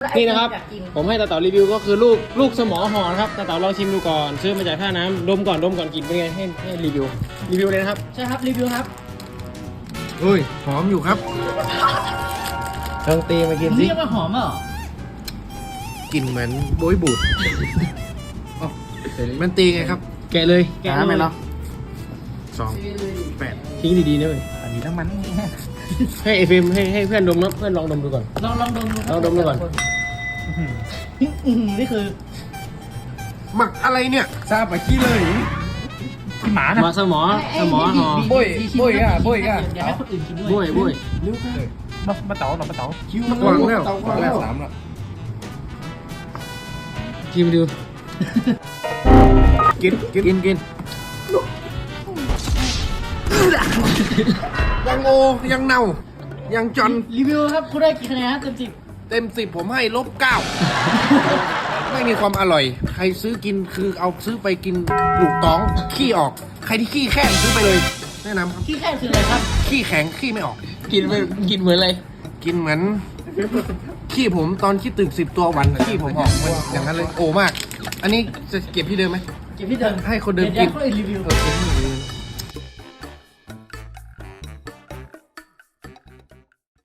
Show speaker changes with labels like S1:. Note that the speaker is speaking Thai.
S1: นี่นะครับ ผมให้ตาเต๋ารีวิวก็คือลูกสมอห่อนะครับตาเต๋าลองชิมดูก่อนซื้อมาจากท่าน้ำดมก่อนกินเป็นไงให้รีวิวเลยนะครับ
S2: ใช่ครับรีวิวครับ
S3: เฮ้ยหอมอยู่ครับ
S1: ลองตีมากินสิ
S2: นี่ยังมาหอมอ่ะ
S3: กลิ่นเหมือนโบยบูดอ๋อมันตีไงครับ
S1: แกะเลย
S3: น้ำไหมเนาะ2 8
S1: ทิ้งดีๆนะเว้ย
S3: อันนี้น้ำมัน
S1: ให้เอฟเอ็มให้เพื่อนดมนะเพื่อนลองดมดูก่อน
S2: ลองดมดู
S1: ลองดมดูก่อน
S2: นี่คือ
S3: หมักอะไรเนี่ยทราบไปขี้เลยหมานะ
S1: มาสมอห่อ
S2: เดี๋ยวให้คนอื่นกินด้วย
S1: บุ้ย
S4: มาเต๋าคิว
S3: วางแล้ว3ละ
S1: ชิมดู
S3: กินยังโอยังเน่ายังจน
S2: รีวิวครับคุณได้กี่คะแนนครับเต็ม
S3: เต็ม 10ผมให้-9ไม่มีความอร่อย ใครซื้อกินคือเอาซื้อไปกินลูกต้องขี้ออก ใครที่ขี้แข้งซื้อไปเลยแนะนำครับ
S2: ที่แค่คืออะไรครับ
S3: ขี้แข็งขี้ไม่ออก
S1: กินเหมือนอะไร
S3: กินเหมือนขี้ผมตอนขี้ตึก10 ตัววันขี้ผมออกมันอย่างนั้นเลยโอ้มาก อันนี้จะเก็บที่เดิมไหม
S2: เก็บที่เดิม
S3: ให้คนเดิม
S2: เดี๋
S3: กิ
S2: ยวน คนอื่นรีวิว
S3: เก็บที่เดิม